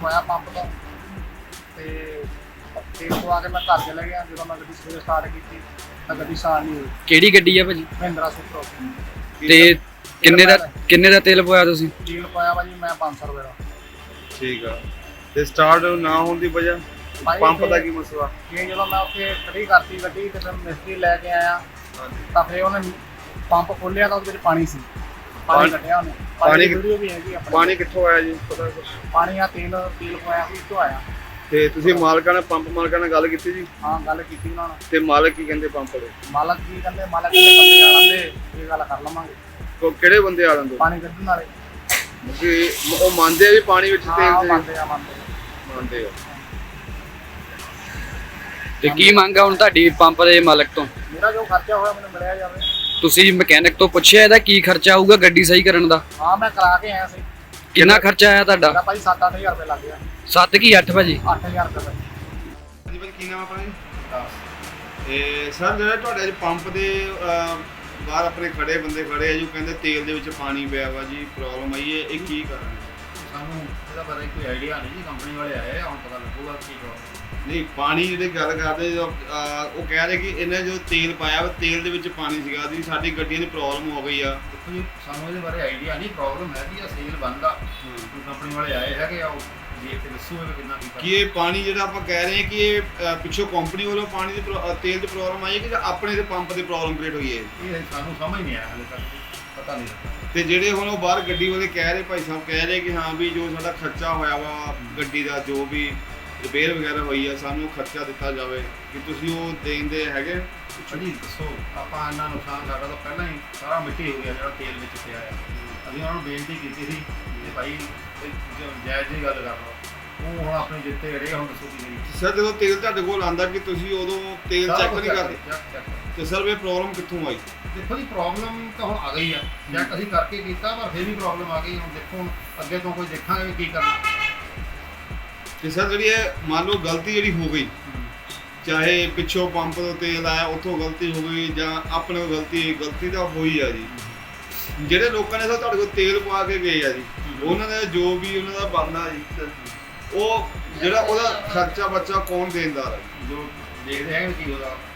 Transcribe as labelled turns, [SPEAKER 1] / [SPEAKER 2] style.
[SPEAKER 1] ਪਾਇਆ ਪੰਪ ਤੋਂ ਤੇ ਤੇਲ ਪਵਾ ਕੇ ਮੈਂ ਘਰ ਚਲਾ ਗਿਆ। ਜਦੋਂ ਮੈਂ ਗੱਡੀ ਸਵੇਰੇ ਸਟਾਰਟ ਕੀਤੀ ਤਾਂ ਗੱਡੀ ਸਟਾਰਟ ਨਹੀਂ ਹੋਈ।
[SPEAKER 2] ਕਿਹੜੀ ਗੱਡੀ ਆ ਭਾਜੀ?
[SPEAKER 1] ਮਹਿੰਦਰਾ ਸੁਪਰੋ।
[SPEAKER 2] ਤੇ ਕਿੰਨੇ ਦਾ ਤੇਲ ਪਵਾਇਆ ਤੁਸੀਂ?
[SPEAKER 1] ਤੇਲ ਪਾਇਆ ਭਾਜੀ ਮੈਂ 500 ਰੁਪਏ ਦਾ।
[SPEAKER 3] ਠੀਕ ਆ। ਤੇ ਸਟਾਰਟ ਨਾ ਹੋਣ ਦੀ ਵਜ੍ਹਾ ਪੰਪ ਦਾ ਕੀ ਮਸਲਾ?
[SPEAKER 1] ਇਹ ਜਦੋਂ ਮੈਂ ਉੱਥੇ ਖੜੀ ਕਰਤੀ ਗੱਡੀ ਤੇ ਫਿਰ ਮਿਸਤਰੀ ਲੈ ਕੇ ਆਇਆ ਤਾਂ ਫਿਰ ਉਹਨੇ ਪੰਪ ਖੋਲਿਆ ਤਾਂ ਉਹਦੇ ਵਿੱਚ ਪਾਣੀ ਸੀ। ਪਾਣੀ ਕੱਢਿਆ ਉਹਨੇ। ਪਾਣੀ ਵੀਡੀਓ ਵੀ ਹੈਗੀ ਆਪਣੀ।
[SPEAKER 3] ਪਾਣੀ ਕਿੱਥੋਂ ਆਇਆ ਜੀ ਪਤਾ ਕੁਛ?
[SPEAKER 1] ਪਾਣੀ ਆ ਤੇਲ ਪਵਾਇਆ ਸੀ ਇੱਥੋਂ ਆਇਆ।
[SPEAKER 3] ਤੇ ਤੁਸੀਂ ਮਾਲਕਾਂ ਨਾਲ ਪੰਪ ਮਾਲਕਾਂ ਨਾਲ ਗੱਲ ਕੀਤੀ ਜੀ?
[SPEAKER 1] ਹਾਂ ਗੱਲ ਕੀਤੀ ਉਹਨਾਂ ਨਾਲ।
[SPEAKER 3] ਤੇ ਮਾਲਕ ਕੀ ਕਹਿੰਦੇ ਪੰਪ ਦੇ?
[SPEAKER 1] ਮਾਲਕ ਕੀ ਕਹਿੰਦੇ? ਮਾਲਕ ਕਹਿੰਦੇ ਬੰਦੇ ਆ ਲੈਂਦੇ ਇਹ ਗੱਲ ਕਰ ਲਵਾਂਗੇ।
[SPEAKER 3] ਕਿਹੜੇ ਬੰਦੇ ਆ ਲੈਂਦੇ?
[SPEAKER 1] ਪਾਣੀ ਕੱਢਣ ਵਾਲੇ।
[SPEAKER 3] ਕਿ ਉਹ ਮੰਨਦੇ ਆ ਵੀ ਪਾਣੀ ਵਿੱਚ ਤੇਲ
[SPEAKER 1] ਹਾਂ
[SPEAKER 3] ਤੇ
[SPEAKER 1] ਮੰਨਦੇ ਆ।
[SPEAKER 2] ਤੇ ਕੀ ਮੰਗ ਆ ਹੁਣ ਤੁਹਾਡੀ ਪੰਪ ਦੇ ਮਾਲਕ ਤੋਂ?
[SPEAKER 1] ਮੇਰਾ ਜੋ ਖਰਚਾ ਹੋਇਆ ਮੈਨੂੰ ਮਿਲਿਆ ਜਾਵੇ।
[SPEAKER 2] ਤੁਸੀਂ ਮਕੈਨਿਕ ਤੋਂ ਪੁੱਛਿਆ ਇਹਦਾ ਕੀ ਖਰਚਾ ਆਊਗਾ ਗੱਡੀ ਸਹੀ ਕਰਨ ਦਾ?
[SPEAKER 1] ਹਾਂ ਮੈਂ ਕਰਾ ਕੇ ਆਇਆ ਸੀ।
[SPEAKER 2] ਕਿੰਨਾ ਖਰਚਾ ਆਇਆ ਤੁਹਾਡਾ?
[SPEAKER 1] ਮੇਰਾ ਭਾਈ 7-8000 ਰੁਪਏ ਲੱਗ ਗਿਆ।
[SPEAKER 2] 7 ਕੀ 8 ਭਾਜੀ?
[SPEAKER 1] 8000 ਰੁਪਏ।
[SPEAKER 3] ਜੀ ਭਾਈ ਕੀ ਨਾਮ ਆਪਣਾ ਜੀ? ਤੇ ਸਰ ਜਿਹੜਾ ਤੁਹਾਡੇ ਅੱਜ ਪੰਪ ਦੇ ਬਾਹਰ ਆਪਣੇ ਖੜੇ ਬੰਦੇ ਖੜੇ ਆ ਜੀ, ਕਹਿੰਦੇ ਤੇਲ ਦੇ ਵਿੱਚ ਪਾਣੀ ਪਿਆ ਵਾ ਜੀ, ਪ੍ਰੋਬਲਮ ਆਈ ਹੈ, ਇਹ ਕੀ ਕਾਰਨ ਹੈ?
[SPEAKER 4] ਸਾਨੂੰ ਇਹਦਾ ਬਾਰੇ ਕੋਈ ਆਈਡੀਆ ਨਹੀਂ ਜੀ। ਕੰਪਨੀ ਵਾਲੇ ਆਏ ਆ, ਹੁਣ ਪਤਾ ਲੱਗੂਗਾ ਕੀ ਪ੍ਰੋਬਲਮ।
[SPEAKER 3] ਨਹੀਂ ਪਾਣੀ ਜਿਹੜੇ ਗੱਲ ਕਰਦੇ ਉਹ ਕਹਿ ਰਹੇ ਕਿ ਇਹਨੇ ਜੋ ਤੇਲ ਪਾਇਆ ਵਾ ਤੇਲ ਦੇ ਵਿੱਚ ਪਾਣੀ ਸੀਗਾ ਜੀ, ਸਾਡੀ ਗੱਡੀਆਂ ਦੀ ਪ੍ਰੋਬਲਮ ਹੋ ਗਈ ਆ।
[SPEAKER 4] ਦੇਖੋ ਜੀ ਸਾਨੂੰ ਇਹਦੇ ਬਾਰੇ ਆਈਡੀਆ ਨਹੀਂ। ਪ੍ਰੋਬਲਮ ਹੈਗੀ ਆ ਸੇਲ ਬੰਦ ਆ। ਕੋਈ ਕੰਪਨੀ ਵਾਲੇ ਆਏ ਹੈਗੇ ਆ, ਉਹ ਦੇਖ ਕੇ ਦੱਸੋ ਇਹ ਕਿੰਨਾ ਕੀ
[SPEAKER 3] ਕਿ ਇਹ ਪਾਣੀ ਜਿਹੜਾ ਆਪਾਂ ਕਹਿ ਰਹੇ ਹਾਂ ਕਿ ਇਹ ਪਿੱਛੋਂ ਕੰਪਨੀ ਵੱਲੋਂ ਪਾਣੀ ਦੀ ਤੇਲ ਦੀ ਪ੍ਰੋਬਲਮ ਆਈ ਹੈ ਕਿ ਆਪਣੇ ਦੇ ਪੰਪ ਦੀ ਪ੍ਰੋਬਲਮ ਕ੍ਰੀਏਟ ਹੋਈ ਹੈ?
[SPEAKER 4] ਇਹ ਸਾਨੂੰ ਸਮਝ ਨਹੀਂ ਆਇਆ ਹਾਲੇ ਤੱਕ, ਪਤਾ ਨਹੀਂ ਲੱਗਾ।
[SPEAKER 3] ਤੇ ਜਿਹੜੇ ਹੁਣ ਉਹ ਬਾਹਰ ਗੱਡੀ ਵਾਲੇ ਕਹਿ ਰਹੇ, ਭਾਈ ਸਾਹਿਬ ਕਹਿ ਰਹੇ ਕਿ ਹਾਂ ਵੀ ਜੋ ਸਾਡਾ ਖਰਚਾ ਹੋਇਆ ਵਾ ਗੱਡੀ ਦਾ, ਜੋ ਵੀ ਰਿਪੇਅਰ ਵਗੈਰਾ ਹੋਈ ਆ, ਸਾਨੂੰ ਖਰਚਾ ਦਿੱਤਾ ਜਾਵੇ, ਕਿ ਤੁਸੀਂ ਉਹ ਦੇਣ ਦੇ ਹੈਗੇ?
[SPEAKER 4] ਜੀ ਦੱਸੋ, ਆਪਾਂ ਇੰਨਾ ਨੁਕਸਾਨ ਸਾਡਾ ਤਾਂ ਪਹਿਲਾਂ ਹੀ ਸਾਰਾ ਮਿੱਟੀ ਹੋ ਗਿਆ ਜਿਹੜਾ ਤੇਲ ਵਿੱਚ ਪਿਆ ਆ। ਅਸੀਂ ਉਹਨਾਂ ਨੂੰ ਬੇਨਤੀ ਕੀਤੀ ਸੀ ਕਿ ਭਾਈ ਜਾਇਜ਼ ਦੀ ਗੱਲ ਕਰ ਲਓ। ਉਹ ਹੁਣ ਆਪਣੇ ਜਿੱਤੇ ਅੜੇ ਹੁਣ ਦੱਸੋ ਕੀ ਕਰੀਏ।
[SPEAKER 3] ਸਰ ਜਦੋਂ ਤੇਲ ਤੁਹਾਡੇ ਕੋਲ ਆਂਦਾ ਕਿ ਤੁਸੀਂ ਉਦੋਂ ਤੇਲ ਚੈੱਕ ਨਹੀਂ ਕਰਦੇ, ਤੇ ਸਰ ਇਹ ਪ੍ਰੋਬਲਮ ਕਿੱਥੋਂ ਆਈ?
[SPEAKER 4] ਦੇਖੋ ਜੀ ਪ੍ਰੋਬਲਮ ਤਾਂ ਹੁਣ ਆ ਗਈ ਆ। ਚੈੱਕ ਅਸੀਂ ਕਰਕੇ ਕੀਤਾ ਪਰ ਫਿਰ ਵੀ ਪ੍ਰੋਬਲਮ ਆ ਗਈ। ਹੁਣ ਦੇਖੋ ਅੱਗੇ ਤੋਂ ਕੋਈ ਦੇਖਾਂਗੇ ਵੀ ਕੀ ਕਰਨਾ।
[SPEAKER 3] ਤੇ ਸਰ ਜਿਹੜੀ ਇਹ ਮੰਨ ਲਓ ਗਲਤੀ ਜਿਹੜੀ ਹੋ ਗਈ, ਚਾਹੇ ਪਿੱਛੋਂ ਪੰਪ ਤੋਂ ਤੇਲ ਆਇਆ ਉੱਥੋਂ ਗਲਤੀ ਹੋ ਗਈ ਜਾਂ ਆਪਣੇ ਕੋਲ ਗਲਤੀ ਤਾਂ ਹੋਈ ਆ ਜੀ। ਜਿਹੜੇ ਲੋਕਾਂ ਨੇ ਸਰ ਤੁਹਾਡੇ ਕੋਲ ਤੇਲ ਪਵਾ ਕੇ ਗਏ ਆ ਜੀ, ਉਹਨਾਂ ਦਾ ਜੋ ਵੀ ਉਹਨਾਂ ਦਾ ਬਣਦਾ ਜੀ, ਉਹ ਜਿਹੜਾ ਉਹਦਾ ਖਰਚਾ ਬੱਚਾ ਕੌਣ ਦੇਣਦਾਰ ਹੈ?
[SPEAKER 4] ਜੋ ਦੇਖਦੇ ਹੈਗੇ ਕੀ ਉਹਦਾ